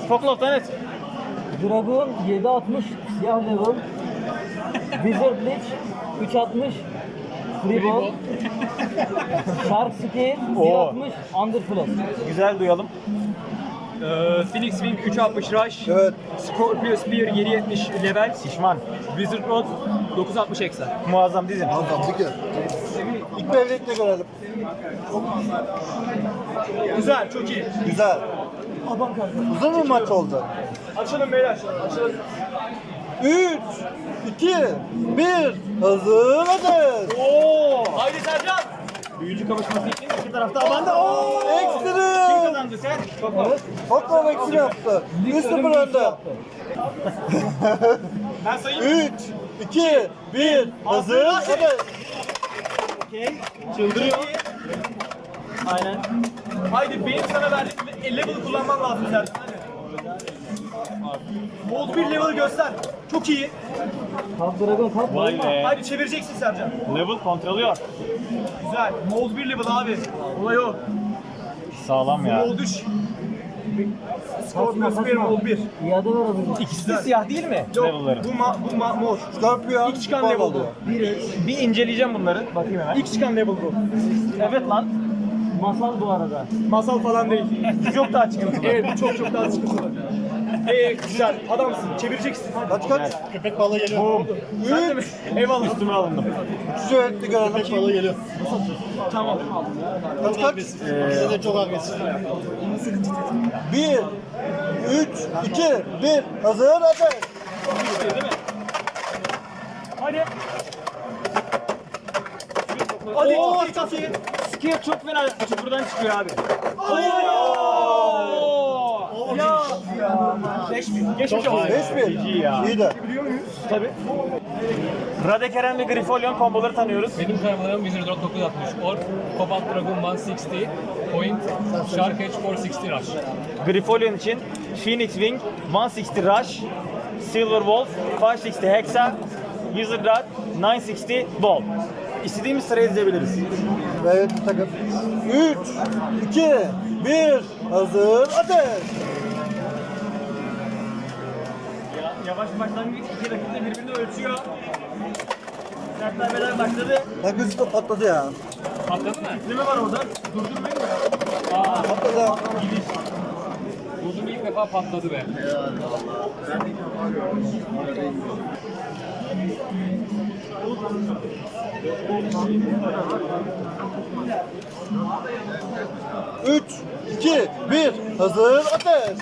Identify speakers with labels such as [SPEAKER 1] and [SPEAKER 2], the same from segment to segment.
[SPEAKER 1] Foklof'tan et.
[SPEAKER 2] Dragon 760 siyah level. Wizard Lich 360 free ball. Shark Scale 160 underflow.
[SPEAKER 1] Güzel duyalım.
[SPEAKER 3] Phoenix Wing 360 Rush.
[SPEAKER 4] Evet.
[SPEAKER 3] Scorpio Spear 770 level.
[SPEAKER 1] Şişman.
[SPEAKER 3] Wizard Rod 960 eksa.
[SPEAKER 1] Muazzam dizin.
[SPEAKER 4] Tamam dikkat. İlk mevlidle görelim.
[SPEAKER 3] Güzel, çok iyi.
[SPEAKER 4] Güzel. Uzun mu maç oldu?
[SPEAKER 3] Açalım beyler. Açalım.
[SPEAKER 4] 3, 2, 1. Hazır hadi.
[SPEAKER 1] Oo!
[SPEAKER 3] Haydi Sercan.
[SPEAKER 1] Büyücü kavuşması için iki tarafta abanda. Oo! Kim
[SPEAKER 4] Ekstrem.
[SPEAKER 1] kazandı sen?
[SPEAKER 2] Evet.
[SPEAKER 4] Toplam ekstrem yaptı. 1-0 önde.
[SPEAKER 3] Ben sayayım.
[SPEAKER 4] 3, 2, 1. Hazır hadi.
[SPEAKER 1] Okey. Çıldırıyor. Aynen.
[SPEAKER 3] Haydi benim sana verdiğim level kullanman lazım Sercan. Hadi. Bold bir level göster. Çok iyi.
[SPEAKER 2] Top Dragon top.
[SPEAKER 1] Vay be.
[SPEAKER 3] Haydi çevireceksin Sercan.
[SPEAKER 1] Level kontrolüyor.
[SPEAKER 3] Güzel. Mold 1 level abi. Olay o.
[SPEAKER 1] Sağlam ya.
[SPEAKER 3] Mold 3. Scorpio Spear Mold 1.
[SPEAKER 2] İade ver abi.
[SPEAKER 1] İkisi de siyah değil mi?
[SPEAKER 3] Yok,
[SPEAKER 1] Level'ları.
[SPEAKER 3] bu mor.
[SPEAKER 4] Scorpio.
[SPEAKER 3] İlk çıkan level bu.
[SPEAKER 1] Bir inceleyeceğim bunları. Bakayım hemen.
[SPEAKER 3] İlk çıkan level bu.
[SPEAKER 1] Evet lan.
[SPEAKER 2] Masal bu arada.
[SPEAKER 3] Masal falan değil.
[SPEAKER 1] Çok daha çıkıntılı.
[SPEAKER 3] Evet, bu çok daha sıkıntılı. Güzel. Adamsın. Çevireceksin.
[SPEAKER 4] Kaç kaç?
[SPEAKER 5] Köpek balığı geliyor.
[SPEAKER 1] Boom.
[SPEAKER 3] Sen de mi? Eyvallah.
[SPEAKER 1] Üstüme alındım.
[SPEAKER 4] 3. mevlidle görelim.
[SPEAKER 5] Köpek balığı geliyor.
[SPEAKER 3] Tamam.
[SPEAKER 4] Kaç kaç?
[SPEAKER 5] İkisi de çok agresif.
[SPEAKER 4] 1, 3, 2, 1. Hazır hadi.
[SPEAKER 3] Hadi. Hadi.
[SPEAKER 1] Oo,
[SPEAKER 3] çok iyi.
[SPEAKER 1] Skill çok fena açık buradan çıkıyor abi.
[SPEAKER 3] Geçmiş olsun.
[SPEAKER 4] 5-1.
[SPEAKER 1] ya.
[SPEAKER 4] İyi de.
[SPEAKER 1] Tabii. Radekeren ve Grifolyon komboları tanıyoruz.
[SPEAKER 6] Benim karmalarım Wizard Rock 960, Orc, Cobalt Dragon 160, Point, Shark Edge 460 Rush.
[SPEAKER 1] Grifolyon için Phoenix Wing 160 Rush, Silver Wolf 560 Hexa, Wizard Rod 960 Ball. İstediğimiz sırayı dizebiliriz.
[SPEAKER 4] Evet takım. 3, 2, 1. Hazır hadi.
[SPEAKER 1] Yavaş başlangıç iki rakip de birbirini ölçüyor. Sert darbeler başladı.
[SPEAKER 4] Takısı da patladı ya.
[SPEAKER 6] Patladı mı?
[SPEAKER 1] Ne mi var orada? Durdurmayın mı?
[SPEAKER 4] Patladı.
[SPEAKER 6] Uzun ilk defa patladı be.
[SPEAKER 4] Üç, iki, bir. Hazır ateş.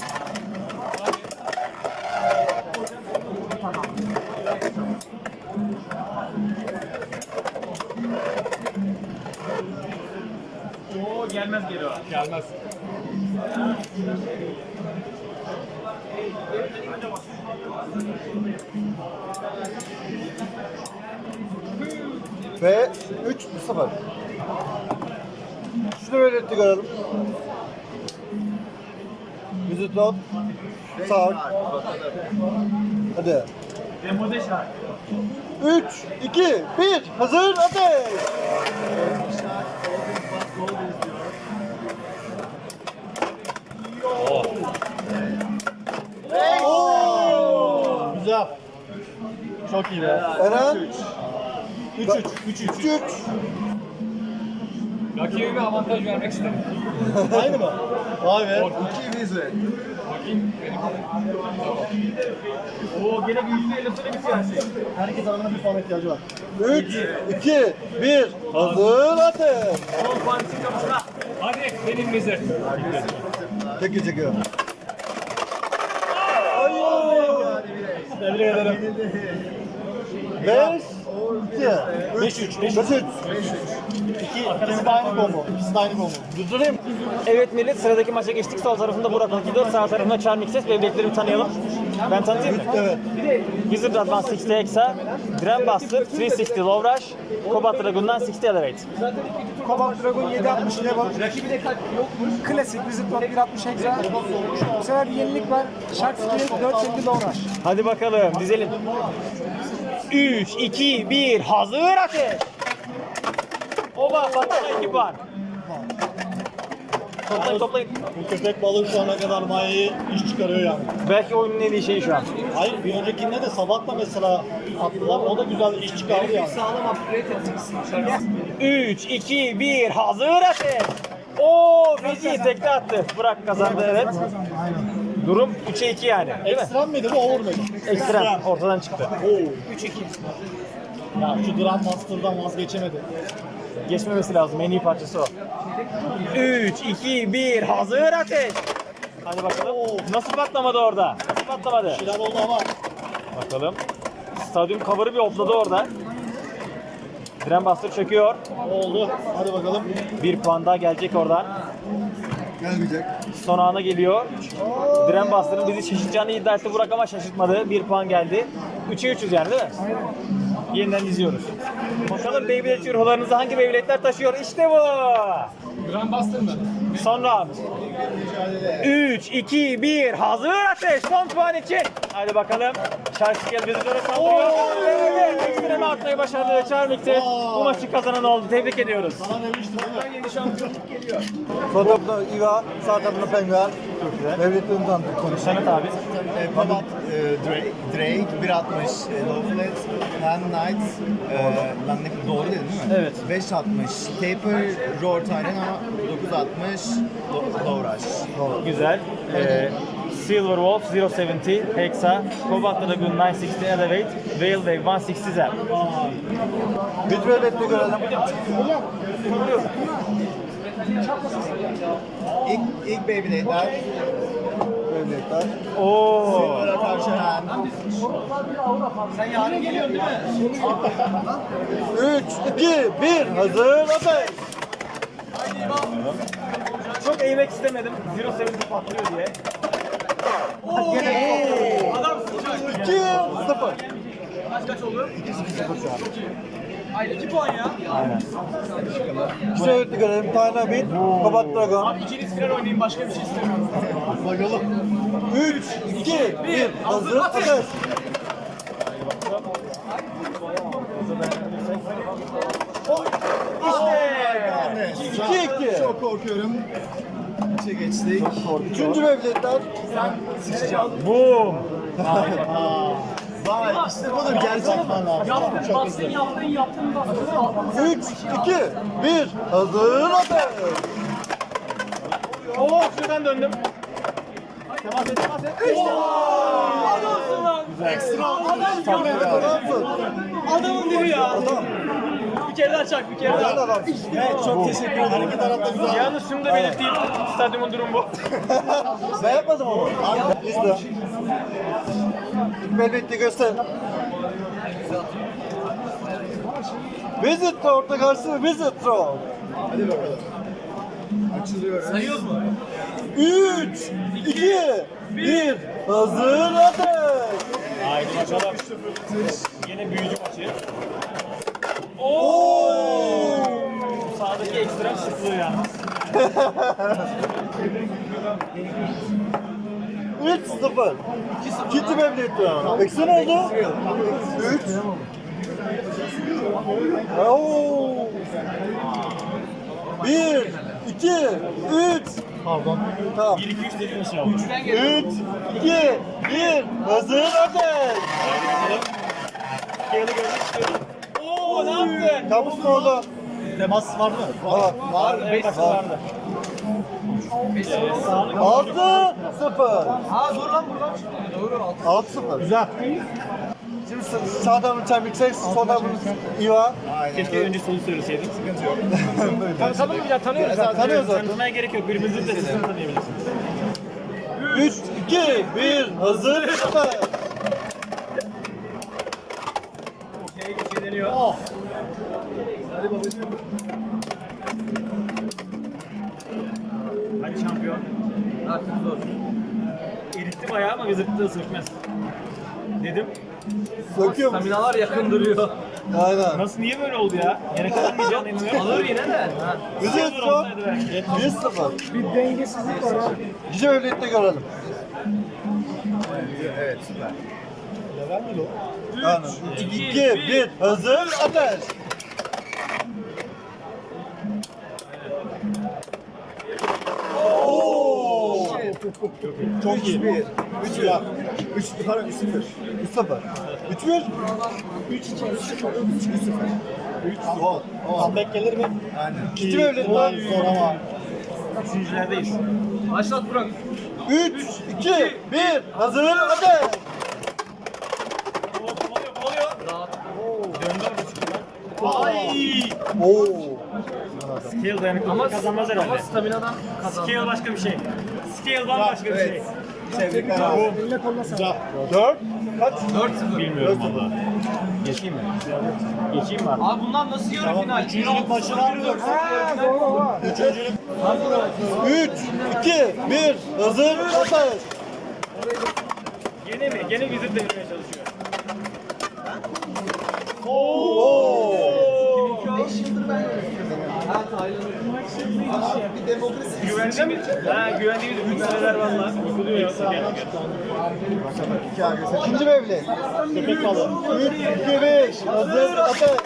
[SPEAKER 1] Oo gelmez geri o.
[SPEAKER 6] Gelmez.
[SPEAKER 4] Ve 3-0. Şunu öğretti görelim. Visit road. Sağ. Hadi.
[SPEAKER 1] Demode şarkı.
[SPEAKER 4] 3, 2, 1. Hazır ateş.
[SPEAKER 5] Güzel. Çok iyi be.
[SPEAKER 4] Eren.
[SPEAKER 5] 3-3.
[SPEAKER 4] 3-3.
[SPEAKER 6] Rakibe bir avantaj vermek istedim.
[SPEAKER 5] Aynı mı? Vay be.
[SPEAKER 6] Bakayım.
[SPEAKER 1] Oo gene büyücü elifine bitiyor her şey.
[SPEAKER 5] Herkes arasında bir puan ihtiyacı var.
[SPEAKER 4] 3, 2, 1. Hazır ateş.
[SPEAKER 1] 10 puan için kapışma.
[SPEAKER 6] Hadi benim Wizard.
[SPEAKER 4] Çekiyor çekiyor.
[SPEAKER 5] Tebrik ederim.
[SPEAKER 4] 5, 2,
[SPEAKER 5] 5-3.
[SPEAKER 4] 5-3.
[SPEAKER 5] İkisi de aynı combo. İkisi de aynı combo.
[SPEAKER 4] Durdurayım.
[SPEAKER 1] Evet millet sıradaki maça geçtik. Sol tarafında Burak Akidor, sağ tarafında Charming Ses. Bebeklerimi tanıyalım. Ben tanıtayım mı?
[SPEAKER 4] Evet.
[SPEAKER 1] Wizard Rod 160 Hexa, Grand Buster 360 Low Rush, Cobalt Dragon'dan 60 Elevate.
[SPEAKER 7] Cobalt Dragon 760 level. Rakibi de klasik Wizard Rock 160 hexa. Bu sefer bir yenilik var. Shark Scale 450 low rush.
[SPEAKER 1] Hadi bakalım dizelim. 3, 2, 1, hazır ateş! Oba patlama ekip var. Toplayın toplayın.
[SPEAKER 5] Bu köpek balığı şu ana kadar bayağı iş çıkarıyor yani.
[SPEAKER 1] Belki oyunun en iyi şeyi şu an.
[SPEAKER 5] Hayır bir öncekinde de sabah da mesela attılar. O da güzel iş çıkardı yani.
[SPEAKER 1] 3, 2, 1, hazır ateş. Oo, Feci tekte attı. Burak kazandı, evet. Durum 3'e 2 yani. Değil mi?
[SPEAKER 5] Ekstrem miydi bu over mıydı?
[SPEAKER 1] Ekstrem ortadan çıktı.
[SPEAKER 5] Oo. 3-2. Ya şu Grandmaster'dan vazgeçemedi.
[SPEAKER 1] Geçmemesi lazım. En iyi parçası o. 3, 2, 1, hazır ateş. Hadi bakalım. Nasıl patlamadı orada? Nasıl patlamadı?
[SPEAKER 5] Şeyler oldu ama.
[SPEAKER 1] Bakalım. Stadyum cover'ı bir hopladı orada. Grandmaster çöküyor.
[SPEAKER 5] Oldu. Hadi bakalım.
[SPEAKER 1] Bir puan daha gelecek oradan.
[SPEAKER 4] Gelmeyecek.
[SPEAKER 1] Son ana geliyor. Grandmaster'ın bizi şaşırtacağını iddia etti Burak ama şaşırtmadı. Bir puan geldi. 3'e 3'üz yani değil mi? Yeniden izliyoruz. Bakalım Beyblade çürholarınızı hangi Beyblade'ler taşıyor? İşte bu.
[SPEAKER 6] Grandmaster mı?
[SPEAKER 1] Son round. 3, 2, 1, hazır ateş. Son puan için. Hadi bakalım. Şarkı bizi doğru saldırıyor. Evet, ekstreme atmayı başardı Charmik'te. Bu maçı kazanan oldu. Tebrik ediyoruz.
[SPEAKER 5] Sana demiştim değil mi?
[SPEAKER 4] Sol tarafında İva, sağ tarafında Penguen. Devletlerini tanıdık konuşalım.
[SPEAKER 1] Samet abi.
[SPEAKER 8] Pabat, Drake, 1.60 low flat, Hand Knight, ben ne doğru dedim değil mi?
[SPEAKER 1] Evet.
[SPEAKER 8] 5.60 Taper, Roar Titan ama 9.60 Low Rush.
[SPEAKER 1] Güzel. Silver Wolf 070, Hexa, Cobalt Dragoon 960 Elevate, Whale Wave 160 Zap.
[SPEAKER 4] Güç devletli görelim.
[SPEAKER 8] İlk Beyblade'ler,
[SPEAKER 4] Devletler.
[SPEAKER 1] Oo.
[SPEAKER 8] Silver'a karşı Hand.
[SPEAKER 4] 3, 2, 1, hazır ateş.
[SPEAKER 1] Çok eğmek istemedim. 070 patlıyor diye.
[SPEAKER 4] 2, 0.
[SPEAKER 1] Aynen.
[SPEAKER 4] Güç devletli görelim. Tane bit, Kobat Dragon.
[SPEAKER 3] İkiniz final oynayın, başka bir şey istemiyorum.
[SPEAKER 5] Bakalım.
[SPEAKER 4] 3, 2, 1, hazır ateş.
[SPEAKER 1] İşte.
[SPEAKER 4] 2, 2.
[SPEAKER 8] Çok korkuyorum. İçe geçtik.
[SPEAKER 4] Üçüncü devletler.
[SPEAKER 1] Boom.
[SPEAKER 8] Vay işte budur gerçekten lazım. Çok hızlı.
[SPEAKER 4] 3, 2, 1, hazır ateş.
[SPEAKER 1] Oo, şuradan döndüm. Temas et, temas et.
[SPEAKER 3] Adamın dibi ya. Bir kere daha çak, bir kere
[SPEAKER 4] Güzel
[SPEAKER 3] daha.
[SPEAKER 4] adam.
[SPEAKER 8] Evet çok teşekkür ederim.
[SPEAKER 5] Hareket tarafta güzel.
[SPEAKER 1] Yalnız şunu da belirteyim. Stadyumun durumu bu.
[SPEAKER 4] Ben yapmadım ama. İşte. Devletli göster. Visit Road'da karşı Visit Road.
[SPEAKER 8] Hadi bakalım. Açılıyoruz.
[SPEAKER 3] Sayıyoruz mu?
[SPEAKER 4] 3, 2, 1, hazır ateş.
[SPEAKER 1] Haydi bakalım. Yine büyücü maçı. Sağdaki ekstrem şıklığı yalnız.
[SPEAKER 4] 3-0. İkinci Beyblade round. Eksi ne oldu? 3. Oo. 1, 2, 3.
[SPEAKER 5] Pardon.
[SPEAKER 4] Tamam.
[SPEAKER 1] 1, 2, 3 dediğin aşağı.
[SPEAKER 4] 3, 2, 1, hazır ateş.
[SPEAKER 1] Geri görmek istiyorum. Oo, ne yaptın?
[SPEAKER 4] Kabus mu oldu?
[SPEAKER 5] Temas var mı?
[SPEAKER 4] Var.
[SPEAKER 1] Evet, vardı.
[SPEAKER 4] 6-0.
[SPEAKER 3] Ha dur lan buradan. Doğru
[SPEAKER 4] 6-0. Güzel. Şimdi sağ tarafın Çemikses, sol tarafın İva.
[SPEAKER 1] Keşke önce solu söyleseydin.
[SPEAKER 3] Tanıdım ya, tanıyoruz zaten.
[SPEAKER 4] Tanıyoruz zaten.
[SPEAKER 1] Tanımaya gerek yok. Birbirinizin de sesini tanıyabilirsiniz.
[SPEAKER 4] 3, 2, 1, hazır ateş.
[SPEAKER 1] Deniyor. Hadi şampiyon.
[SPEAKER 2] Artık zor.
[SPEAKER 1] Eritti bayağı ama gızırttığı sökmez. Dedim.
[SPEAKER 4] Söküyor mu?
[SPEAKER 2] Staminalar yakın duruyor.
[SPEAKER 4] Aynen.
[SPEAKER 1] Nasıl niye böyle oldu ya? Yine kazanmayacağını inanıyorum.
[SPEAKER 2] Alır yine de. Ha.
[SPEAKER 4] Visit
[SPEAKER 1] Zor
[SPEAKER 4] Road
[SPEAKER 1] olsaydı belki.
[SPEAKER 4] 1-0.
[SPEAKER 7] Bir dengesizlik var abi.
[SPEAKER 4] Gece Beyblade görelim.
[SPEAKER 8] Evet süper.
[SPEAKER 5] Level mi o?
[SPEAKER 4] Aynen. 2, 1, hazır ateş. Oo.
[SPEAKER 3] Çok iyi.
[SPEAKER 4] 3-1. 3 ya. 3 pardon 3-0. 3-0. 3-1. 3-0. Gol.
[SPEAKER 3] Comeback gelir mi?
[SPEAKER 4] Aynen.
[SPEAKER 3] İki mevlid
[SPEAKER 4] Ulan
[SPEAKER 3] mi?
[SPEAKER 4] zor ama.
[SPEAKER 1] Üçüncülerdeyiz.
[SPEAKER 2] Başlat Burak.
[SPEAKER 4] 3, 2, 1. Hazır. Hadi. Oo.
[SPEAKER 1] Scale dayanıklılığı kazanmaz herhalde.
[SPEAKER 2] Ama staminadan kazandı.
[SPEAKER 1] Scale başka bir şey. Scale bambaşka bir şey.
[SPEAKER 4] Tebrikler abi.
[SPEAKER 7] Eline koluna sağlık.
[SPEAKER 4] 4. Kaç?
[SPEAKER 2] 4-0.
[SPEAKER 1] Bilmiyorum valla. Geçeyim mi? Geçeyim mi abi?
[SPEAKER 2] Abi bunlar nasıl yarı final?
[SPEAKER 3] Üçüncülük maçı var mı?
[SPEAKER 7] Ha, doğru.
[SPEAKER 4] 3, 2, 1. Hazır. Hadi.
[SPEAKER 1] Gene mi? Gene vizir devirmeye çalışıyor.
[SPEAKER 4] Oo.
[SPEAKER 1] Güvendiğimiz, güvendiğimiz ülkeler valla. Yıkılıyor ya.
[SPEAKER 4] İkinci mevlid.
[SPEAKER 3] Köpek balığı.
[SPEAKER 4] 3, 2, 5. Hazır. Hadi.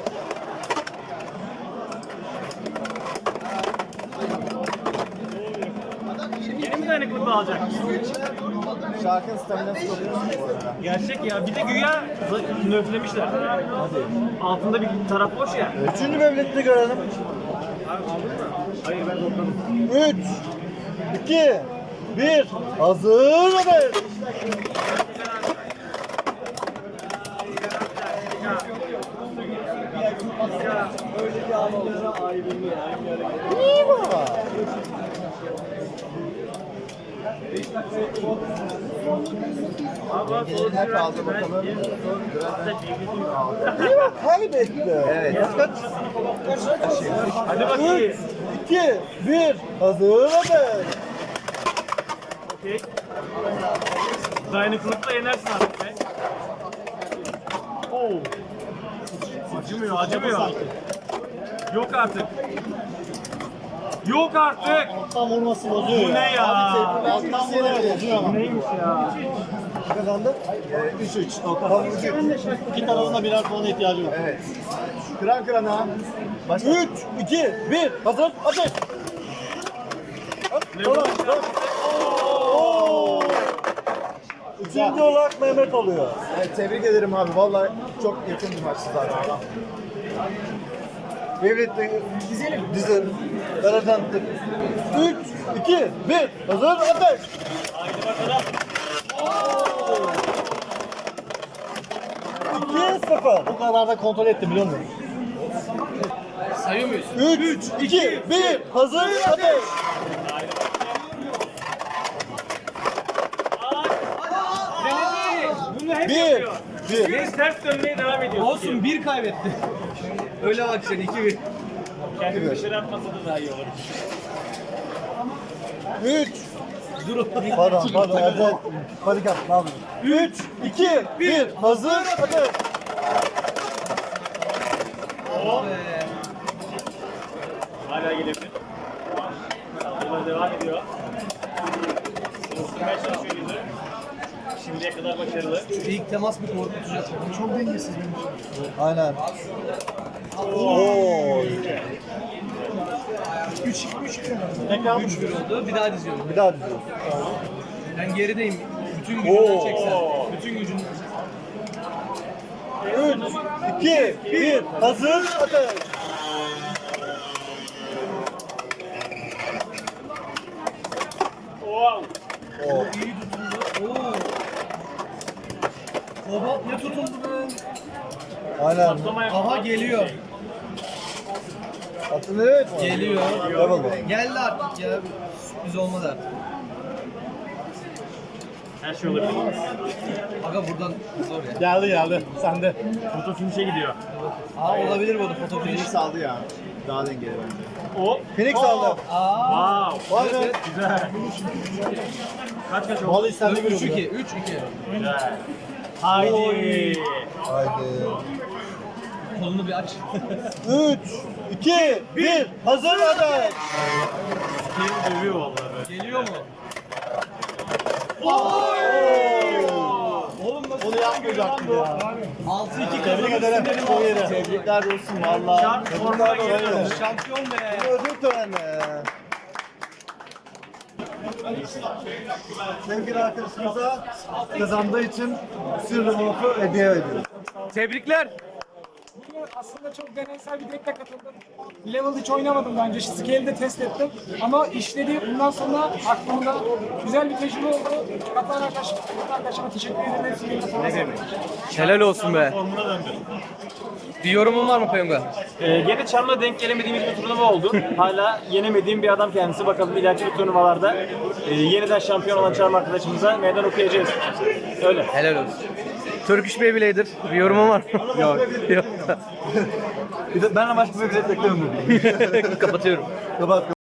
[SPEAKER 1] Yeni mi dayanıklılığı alacak?
[SPEAKER 4] Şarkın staminası çok yüksek bu arada.
[SPEAKER 1] Gerçek ya. Bir de güya nöflemişler. Altında bir taraf boş ya.
[SPEAKER 4] Üçüncü mevlidini görelim.
[SPEAKER 1] Hayır ben topladım.
[SPEAKER 4] 3, 2, 1. Hazır. Hadi. İyi baba. Eline kaldı bakalım. İyi bak kaybetti. Evet. Kaç?
[SPEAKER 1] Hadi bakayım.
[SPEAKER 4] 2, 1. Hazır. Hadi.
[SPEAKER 1] Okey. Dayanıklılıkla yenersin artık be. Oo. Acımıyor, acımıyor. Yok artık. Yok artık.
[SPEAKER 3] Alttan vurması bozuyor
[SPEAKER 1] Bu ne ya?
[SPEAKER 3] Alttan vuruyor bozuyor ama.
[SPEAKER 1] Neymiş ya?
[SPEAKER 4] Kazandı. 3-3. Tamam 3-3.
[SPEAKER 3] İki tarafında birer puana ihtiyacı var.
[SPEAKER 4] Evet. Kıran kırana. 3, 2, 1. Hazır. Hadi. Tamam. Oo. Üçüncü olarak Mehmet oluyor. Evet, tebrik ederim abi. Vallahi çok yakın bir maçtı zaten. Mevlid'de dizelim. Karadantık. 3, 2, 1. Hazır. Ateş.
[SPEAKER 1] Haydi bakalım.
[SPEAKER 4] 2-0.
[SPEAKER 3] Bu kararda kontrol ettim biliyor musun?
[SPEAKER 2] Sayıyor muyuz?
[SPEAKER 4] 3, 2, 1. Hazır. Ateş.
[SPEAKER 1] Bunu hep
[SPEAKER 4] 1,
[SPEAKER 1] yapıyor.
[SPEAKER 4] 1.
[SPEAKER 1] Biz ters dönmeye devam ediyoruz.
[SPEAKER 2] Olsun bir kaybetti. Öyle bak sen 2-1.
[SPEAKER 1] Kendini dışarı atmasa da daha iyi olur.
[SPEAKER 4] 3. Pardon. Erdem. Panik at. Ne yapıyorsun? 3, 2, 1. Hazır. Hadi.
[SPEAKER 1] Hala gelebilir. Saldırılar devam ediyor. Isınmaya çalışıyor yüzü. Şimdiye kadar başarılı.
[SPEAKER 2] İlk temas bir korkutucu.
[SPEAKER 7] Çok dengesiz benim için.
[SPEAKER 4] Aynen. Oo.
[SPEAKER 2] 3-1 oldu. Bir daha diziyorum.
[SPEAKER 4] Bir daha diziyoruz.
[SPEAKER 2] Ben gerideyim. Bütün gücünden çeksen. Bütün gücünden.
[SPEAKER 4] 3, 2, 1. Hazır. Ateş.
[SPEAKER 1] Wow.
[SPEAKER 4] Oo.
[SPEAKER 2] İyi tutundu. Oo. Kobalt ne tutundu be?
[SPEAKER 4] Aynen.
[SPEAKER 2] Aha geliyor.
[SPEAKER 4] Atın evet.
[SPEAKER 2] Geliyor.
[SPEAKER 4] Level.
[SPEAKER 2] Geldi artık ya. Sürpriz olmadı artık.
[SPEAKER 1] Her şey olabilir.
[SPEAKER 2] Aga buradan zor ya.
[SPEAKER 3] Geldi. Sende.
[SPEAKER 1] Foto finish'e gidiyor.
[SPEAKER 2] Aa olabilir bu foto finish.
[SPEAKER 4] saldı ya. Daha dengeli bence.
[SPEAKER 1] O.
[SPEAKER 4] Phoenix aldı.
[SPEAKER 2] Aa.
[SPEAKER 1] Wow.
[SPEAKER 4] Var mı?
[SPEAKER 1] Güzel. Kaç oldu?
[SPEAKER 3] Vallahi sende bir
[SPEAKER 2] 3-2. 3-2.
[SPEAKER 1] Güzel. Haydi.
[SPEAKER 4] Haydi.
[SPEAKER 2] Kolunu bir aç.
[SPEAKER 4] 3, 2, 1. Hazır. Hadi.
[SPEAKER 1] Seni dövüyor vallahi böyle.
[SPEAKER 2] Geliyor mu?
[SPEAKER 3] Oğlum nasıl? Onu yapmayacaktın ya.
[SPEAKER 2] 6-2
[SPEAKER 3] Tebrik ederim. Çok iyiydi.
[SPEAKER 4] Tebrikler olsun valla.
[SPEAKER 1] Şart formuna geliyor.
[SPEAKER 2] Şampiyon be.
[SPEAKER 4] Ödül töreni. Sevgili arkadaşımıza kazandığı için sırrı muhafu hediye ediyoruz.
[SPEAKER 1] Tebrikler.
[SPEAKER 7] Aslında çok deneysel bir deckle katıldım. Level hiç oynamadım daha önce. Scale'de test ettim. Ama işledi. Bundan sonra aklımda güzel bir tecrübe oldu. Katılan arkadaşıma teşekkür ederim. Hepsine
[SPEAKER 1] Helal olsun be.
[SPEAKER 6] Bir yorumun var mı Payonga?
[SPEAKER 1] Gene Çarmıh'a denk gelemediğimiz bir turnuva oldu. Hala yenemediğim bir adam kendisi. Bakalım ileriki bir turnuvalarda yeniden şampiyon olan Çarmıh arkadaşımıza meydan okuyacağız. Öyle.
[SPEAKER 6] Helal olsun. Turkish Beyblader, bir yorumun var mı? Yok. Yok.
[SPEAKER 4] Bir de ben başka bir ücret beklemiyorum.
[SPEAKER 6] Kapatıyorum.
[SPEAKER 4] Kapat.